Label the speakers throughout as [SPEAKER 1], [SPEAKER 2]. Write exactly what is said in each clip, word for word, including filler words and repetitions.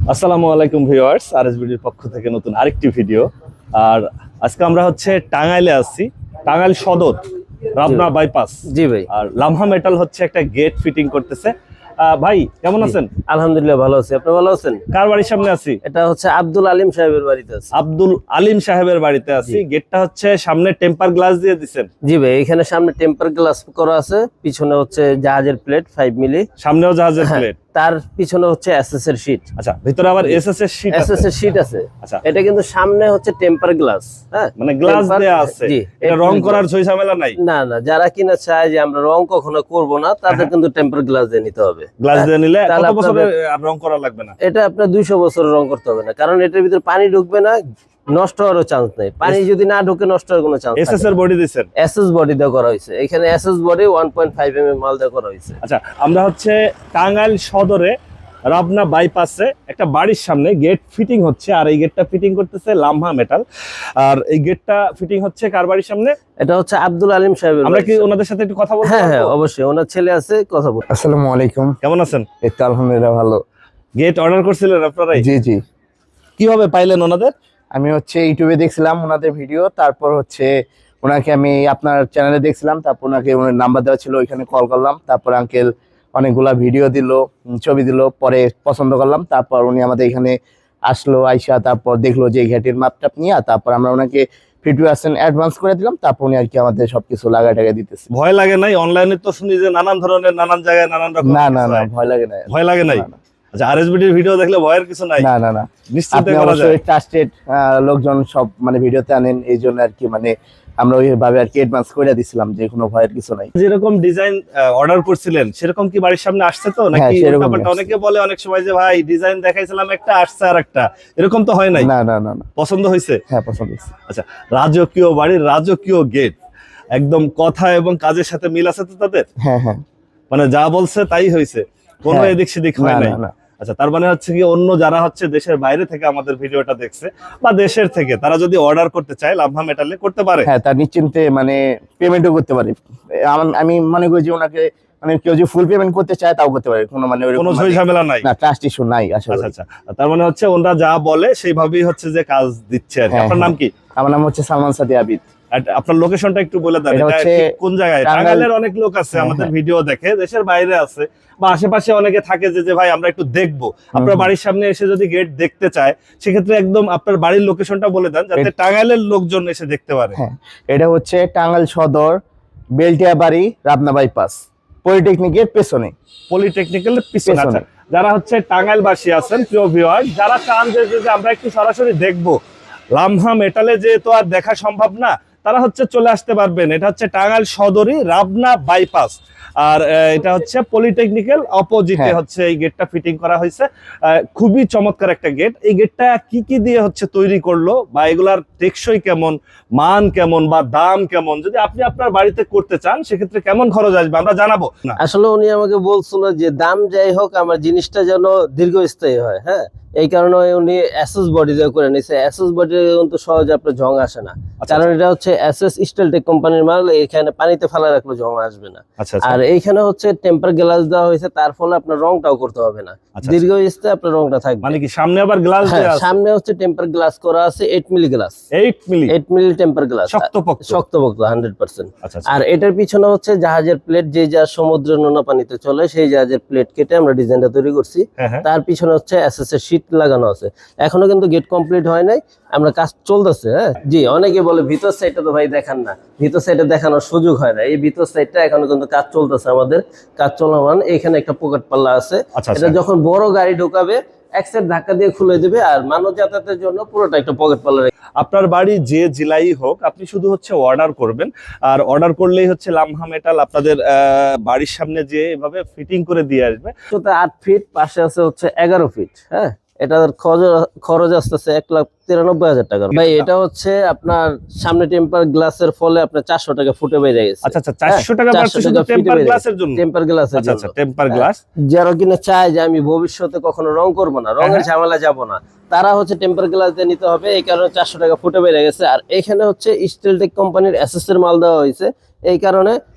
[SPEAKER 1] আসসালামু আলাইকুম ভিউয়ার্স, আরএসবিডির পক্ষ থেকে নতুন আরেকটি ভিডিও। আর আজকে আমরা হচ্ছে টাঙ্গাইলে আছি, টাঙ্গাইল সদর রাবনা বাইপাস।
[SPEAKER 2] জি ভাই।
[SPEAKER 1] আর লামহা মেটাল হচ্ছে একটা গেট ফিটিং করতেছে। আহ, ভাই কেমন আছেন?
[SPEAKER 2] আলহামদুলিল্লাহ ভালো আছি, আপনি ভালো আছেন?
[SPEAKER 1] কার বাড়ির সামনে আছি?
[SPEAKER 2] এটা হচ্ছে আব্দুল আলিম সাহেবের বাড়িতে আছি।
[SPEAKER 1] আব্দুল আলিম সাহেবের বাড়িতে আছি। গেটটা হচ্ছে সামনে টেম্পার গ্লাস দিয়ে দিছেন?
[SPEAKER 2] জি ভাই, এখানে সামনে টেম্পার গ্লাস করা আছে, পিছনে হচ্ছে জাহাজের প্লেট ফাইভ মিলি,
[SPEAKER 1] সামনেও জাহাজের প্লেট,
[SPEAKER 2] তার পিছনে হচ্ছে এসএস এর শীট।
[SPEAKER 1] আচ্ছা, ভিতরে আবার এসএস এর শীট আছে।
[SPEAKER 2] এসএস এর শীট আছে।
[SPEAKER 1] আচ্ছা,
[SPEAKER 2] এটা কিন্তু সামনে হচ্ছে টেম্পার গ্লাস, হ্যাঁ
[SPEAKER 1] মানে গ্লাস দেয়া আছে।
[SPEAKER 2] জি,
[SPEAKER 1] এটা রং করার ঝই ঝামেলা নাই?
[SPEAKER 2] না না, যারা কিনা চায় যে আমরা রং কখনো করব না, তাদের কিন্তু টেম্পার গ্লাস দিয়ে নিতে হবে।
[SPEAKER 1] গ্লাস দিয়ে নিলে
[SPEAKER 2] তাহলে
[SPEAKER 1] কত বছরের
[SPEAKER 2] আপনাদের-
[SPEAKER 1] আর রং করা লাগবে না?
[SPEAKER 2] এটা আপনার দুইশো বছর রং করতে হবে না, কারণ এটার ভিতরে পানি ঢুকবে না, নষ্ট হওয়ারও চান্স নেই। পানি যদি না ঢুকে নষ্ট হওয়ার কোনো চান্স
[SPEAKER 1] এসএস এর বডি দিছেন?
[SPEAKER 2] এসএস বডি দেওয়া করা হয়েছে, এখানে SS body one point five M M মাল দেওয়া করা হয়েছে।
[SPEAKER 1] আচ্ছা, আমরা হচ্ছে টাঙ্গাইল সদরে রাবনা বাইপাসে একটা বাড়ির সামনে গেট ফিটিং হচ্ছে, আর এই গেটটা ফিটিং করতেছে লামহা মেটাল। আর এই গেটটা ফিটিং হচ্ছে কার বাড়ির সামনে?
[SPEAKER 2] এটা হচ্ছে আব্দুল আলিম সাহেবের।
[SPEAKER 1] আমরা কি ওনাদের সাথে একটু কথা বলবো?
[SPEAKER 2] হ্যাঁ হ্যাঁ অবশ্যই, ওনার ছেলে আছে, কথা বল।
[SPEAKER 3] আসসালামু আলাইকুম।
[SPEAKER 1] কেমন আছেন?
[SPEAKER 3] এই তো আলহামদুলিল্লাহ ভালো।
[SPEAKER 1] গেট অর্ডার করছিলেন আপনারাই?
[SPEAKER 3] জি জি,
[SPEAKER 1] কিভাবে পাইলেন ওনাদের?
[SPEAKER 3] আমি হচ্ছে ইউটিউবে দেখছিলাম ওনাদের ভিডিও, তারপর হচ্ছে ওনাকে আমি আপনার চ্যানেলে দেখছিলাম, তারপর ওনাকে ওনার নাম্বার দেওয়া ছিল, ওইখানে কল করলাম। তারপর আঙ্কেল অনেকগুলা ভিডিও দিল, উম, ছবি দিল, পরে পছন্দ করলাম। তারপর উনি আমাদের এখানে আসলো, আইসা তারপর দেখলো যে এই ঘাটির মাপটাপ নিয়ে, তারপর আমরা ওনাকে ফিফটি পার্সেন্ট অ্যাডভান্স করে দিলাম। তারপর উনি আর কি আমাদের সবকিছু লাগা টাকা দিতেছে।
[SPEAKER 1] ভয় লাগে নাই? অনলাইনে তো শুনি যে নানান ধরনের নানান জায়গায় নানান রকম।
[SPEAKER 3] না না না, ভয় লাগে না।
[SPEAKER 1] ভয় লাগে নাই?
[SPEAKER 3] না, না।
[SPEAKER 1] আচ্ছা, আরএসবিডির ভিডিও দেখলে ভয়ের কিছু নাই?
[SPEAKER 3] না না না,
[SPEAKER 1] নিশ্চিন্তে
[SPEAKER 3] আপনি
[SPEAKER 1] করা যায়?
[SPEAKER 3] অবশ্যই ট্রাস্টেড লোকজন সব মানে ভিডিওতে আনেন, এই জন্য আর কি মানে আমরা ওইভাবে আর কি অ্যাডভান্স করে দিছিলাম যে কোনো ভয়ের কিছু নাই।
[SPEAKER 1] যেরকম ডিজাইন অর্ডার করছিলেন সেরকম কি বাড়ির সামনে আসছে তো নাকি?
[SPEAKER 3] হ্যাঁ, সেরকমই
[SPEAKER 1] উল্টাপাল্টা?
[SPEAKER 3] আসছে।
[SPEAKER 1] অনেকে বলে অনেক সময় যে ভাই ডিজাইন দেখাইছিলাম একটা, আসছে আর একটা, এরকম তো হয় নাই?
[SPEAKER 3] না না না না,
[SPEAKER 1] পছন্দ হয়েছে?
[SPEAKER 3] হ্যাঁ পছন্দ হয়েছে।
[SPEAKER 1] আচ্ছা, রাজকীয় বাড়ির রাজকীয় গেট, একদম কথা এবং কাজের সাথে মিল আছে তো তাদের?
[SPEAKER 3] হ্যাঁ হ্যাঁ,
[SPEAKER 1] মানে যা বলছে তাই হয়েছে, কোনো
[SPEAKER 3] হ্যাঁ।
[SPEAKER 1] এদিক সেদিক হয়
[SPEAKER 3] না
[SPEAKER 1] নাই?
[SPEAKER 3] না না,
[SPEAKER 1] আচ্ছা, তার মানে হচ্ছে কি অন্য যারা হচ্ছে দেশের বাইরে থেকে আমাদের ভিডিওটা দেখছে বা দেশের থেকে, তারা যদি অর্ডার করতে চায় লামহা মেটালে করতে পারে?
[SPEAKER 3] হ্যাঁ তার নিশ্চিন্তে মানে পেমেন্টও করতে পারে। আম- আমি মনে করি যে ওনাকে মানে কেউ যদি ফুল পেমেন্ট করতে চায় তাও করতে পারে, কোনো মানে ওইরকম
[SPEAKER 1] কোনো ঝই
[SPEAKER 3] মানে-
[SPEAKER 1] ঝামেলা নাই?
[SPEAKER 3] না, ট্রাস্ট ইস্যু নাই আসলে।
[SPEAKER 1] আচ্ছা আচ্ছা, তার মানে হচ্ছে ওনারা যা বলে সেইভাবেই হচ্ছে যে কাজ দিচ্ছে আর কি।
[SPEAKER 3] হ্যাঁ,
[SPEAKER 1] আপনার নাম কি?
[SPEAKER 3] আমার নাম হচ্ছে সালমান সাদি আবিদ।
[SPEAKER 1] আর আপনার লোকেশনটা একটু বলে দেন,
[SPEAKER 3] এটা
[SPEAKER 1] এটা
[SPEAKER 3] হচ্ছে
[SPEAKER 1] ঠিক কোন জায়গায়?
[SPEAKER 3] টাঙ্গাইল-
[SPEAKER 1] টাঙ্গাইলের অনেক লোক আছে
[SPEAKER 3] হ্যাঁ,
[SPEAKER 1] আমাদের
[SPEAKER 3] হ্যাঁ।
[SPEAKER 1] ভিডিও দেখে, দেশের বাইরে আছে বা আশেপাশে অনেকে থাকে যে যে ভাই আমরা একটু দেখবো, আপনার
[SPEAKER 3] হুম।
[SPEAKER 1] বাড়ির সামনে এসে যদি গেট দেখতে চায় সেক্ষেত্রে একদম আপনার বাড়ির লোকেশনটা বলে দেন যাতে
[SPEAKER 3] এ-
[SPEAKER 1] টাঙ্গাইলের লোকজন এসে দেখতে পারে।
[SPEAKER 3] হ্যাঁ, এটা হচ্ছে টাঙ্গাইল সদর বেলটিয়া বাড়ি রাবনা বাইপাস পলিটেকনিকের পেছনে।
[SPEAKER 1] পলিটেকনিক্যালের পিছনে।
[SPEAKER 3] পেছনে।
[SPEAKER 1] আচ্ছা, যারা হচ্ছে টাঙ্গাইলবাসী আছেন প্রিয় ভিউয়ার, যারা চান যে যে আমরা একটু সরাসরি দেখবো লামহা মেটালে, যে তো আর দেখা সম্ভব না, তারা হচ্ছে চলে আসতে পারবেন। এটা হচ্ছে টাঙ্গাইল সদরই রাবনা বাইপাস, আর আহ, এটা হচ্ছে পলিটেকনিক্যাল অপোজিটে
[SPEAKER 3] হ্যাঁ।
[SPEAKER 1] হচ্ছে এই গেটটা ফিটিং করা হয়েছে। আহ, খুবই চমৎকার একটা গেট। এই গেটটা কি কি দিয়ে হচ্ছে তৈরি করলো বা এগুলার টেকসই কেমন, মান কেমন বা দাম কেমন, যদি আপনি আপনার বাড়িতে করতে চান সেক্ষেত্রে কেমন খরচ আসবে আমরা জানাবো না?
[SPEAKER 2] আসলে উনি আমাকে বলছিল যে দাম যাই হোক আমার জিনিসটা যেন দীর্ঘস্থায়ী হয়, হ্যাঁ, এই কারণে উনি এসএস বডি দিয়ে করে নিয়েছে। এসএস বডি কিন্তু সহজে আপনার জং আসে না,
[SPEAKER 1] আচ্ছা,
[SPEAKER 2] কারণ এটা হচ্ছে এসএস স্টিলটেক কোম্পানির মাল, এখানে পানিতে ফেলা রাখলে জং আসবে না।
[SPEAKER 1] আচ্ছা আচ্ছা
[SPEAKER 2] আর এইখানে হচ্ছে টেম্পার গ্লাস দেওয়া হয়েছে, তার ফলে আপনার রংটাও করতে হবে না,
[SPEAKER 1] আচ্ছা।
[SPEAKER 2] দীর্ঘস্থায়ী আপনার রংটা থাকবে।
[SPEAKER 1] মানে কি সামনে আবার গ্লাস
[SPEAKER 2] হ্যাঁ,
[SPEAKER 1] দেয়া আছে?
[SPEAKER 2] সামনে হচ্ছে টেম্পার গ্লাস করা আছে eight milli glass,
[SPEAKER 1] eight milli
[SPEAKER 2] eight milli temper glass,
[SPEAKER 1] শক্তপোক্ত?
[SPEAKER 2] শক্তপোক্ত হান্ড্রেড পার্সেন্ট।
[SPEAKER 1] আচ্ছা আচ্ছা।
[SPEAKER 2] আর এটার পিছনে হচ্ছে জাহাজের প্লেট, যে যা সমুদ্রের নোনা পানিতে চলে সেই জাহাজের প্লেট কেটে আমরা ডিজাইনটা তৈরি করছি।
[SPEAKER 1] হ্যাঁ হ্যাঁ।
[SPEAKER 2] তার পিছনে হচ্ছে এসএস এর শীট লাগানো আছে, এখনো কিন্তু গেট কমপ্লিট হয় নাই, আমরা কাজ চলতেছে। হ্যাঁ জি, অনেকে বলে ভিতর সাইডটা তো ভাই দেখান না, ভিতর সাইডে দেখানোর সুযোগ হয় না। এই ভিতর সাইডটা এখনো কিন্তু কাজ চলতেছে, আমাদের কাজ চলমান। এখানে একটা পকেট পাল্লা আছে,
[SPEAKER 1] আচ্ছা,
[SPEAKER 2] এটা
[SPEAKER 1] আচ্ছা।
[SPEAKER 2] যখন বড় গাড়ি ঢোকাবে এক সাইড ধাক্কা দিয়ে খুলে দিবে, আর মানব যাতায়াতের জন্য পুরোটা একটা পকেট পাল্লা।
[SPEAKER 1] আপনার বাড়ি যে জেলাই হোক, আপনি শুধু হচ্ছে অর্ডার করবেন, আর অর্ডার করলেই হচ্ছে লামহা মেটাল আপনাদের আহ, বাড়ির সামনে যে এভাবে ফিটিং করে দিয়ে আসবে।
[SPEAKER 2] উচ্চতা আট ফিট, পাশে আছে হচ্ছে এগারো ফিট। হ্যাঁ, এটার খরচ- খরচ আসতেছে এক লাখ তিরানব্বই হাজার টাকা। ভাই এটা হচ্ছে আপনার সামনে টেম্পার গ্লাসের ফলে আপনার চারশো টাকা ফুটে বেড়ে গেছে।
[SPEAKER 1] আচ্ছা আচ্ছা, চারশো টাকা
[SPEAKER 2] চারশো
[SPEAKER 1] বাড়ছে শুধু
[SPEAKER 2] টাকা ফিটে
[SPEAKER 1] টেম্পার
[SPEAKER 2] বেড়ে
[SPEAKER 1] গ্লাসের জন্য?
[SPEAKER 2] টেম্পার গ্লাসের
[SPEAKER 1] আচ্ছা আচ্ছা,
[SPEAKER 2] জন্য।
[SPEAKER 1] Temper glass.
[SPEAKER 2] যারা কিনা চায় যে আমি ভবিষ্যতে কখনো রং করবো না, রঙের ঝামেলা যাব না, তারা হচ্ছে টেম্পার গ্লাস দিয়ে নিতে হবে, এই কারণে চারশো টাকা ফুটে বেড়ে গেছে। আর এখানে হচ্ছে স্টিলটেক কোম্পানির এসএস এর মাল দেওয়া হয়েছে, এই কারণে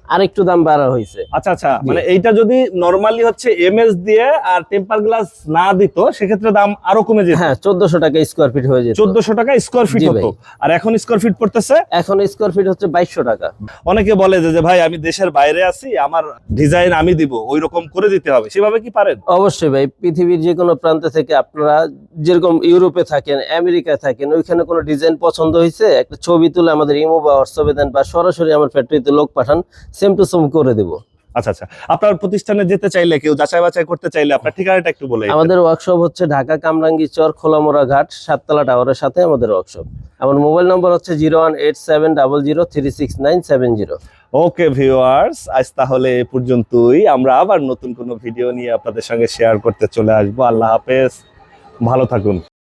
[SPEAKER 2] আর একটু দাম বাড়া হয়েছে।
[SPEAKER 1] আচ্ছা আচ্ছা, মানে এইটা যদি নরমালি হচ্ছে এমএস দিয়ে আর টেম্পার গ্লাস না দিত সেক্ষেত্রে দাম আরো কমে যেত।
[SPEAKER 2] হ্যাঁ, চোদ্দশো টাকা স্কোয়ার ফিট হয়ে যেত।
[SPEAKER 1] চোদ্দশো টাকা স্কোয়ার ফিট
[SPEAKER 2] জি
[SPEAKER 1] হতো,
[SPEAKER 2] ভাই।
[SPEAKER 1] আর এখন স্কোয়ার ফিট পড়তেছে
[SPEAKER 2] এখন স্কোয়ার ফিট হচ্ছে বাইশশো টাকা।
[SPEAKER 1] অনেকে বলে যে যে ভাই আমি দেশের বাইরে আছি, আমার ডিজাইন আমি দিব, ওই রকম করে দিতে হবে, সেভাবে কি পারেন?
[SPEAKER 2] অবশ্যই ভাই, পৃথিবীর যে কোনো প্রান্ত থেকে আপনারা যেরকম ইউরোপে থাকেন, আমেরিকায় থাকেন, ওইখানে কোনো ডিজাইন পছন্দ হয়েছে, একটা ছবি তুলে আমাদের ইমো বা হোয়াটসঅ্যাপে দেন বা সরাসরি আমার ফ্যাক্টরিতে লোক পাঠান, সেম টু সেম করে দেব।
[SPEAKER 1] আচ্ছা আচ্ছা, আপনার প্রতিষ্ঠানে যেতে চাইলে, কেউ যাচাই বাছাই করতে চাইলে আপনার ঠিকানাটা একটু বলে দিতেন।
[SPEAKER 2] আমাদের ওয়ার্কশপ হচ্ছে ঢাকা কামরাঙ্গী চর খোলামোড়া ঘাট সাততলা টাওয়ারের সাথে আমাদের ওয়ার্কশপ। আমার মোবাইল নম্বর হচ্ছে zero one eight seven double zero three six nine seven zero.
[SPEAKER 1] Okay viewers, আজ তাহলে এ পর্যন্তই। আমরা আবার নতুন কোনো ভিডিও নিয়ে আপনাদের সঙ্গে শেয়ার করতে চলে আসবো। আল্লাহ হাফেজ, ভালো থাকুন।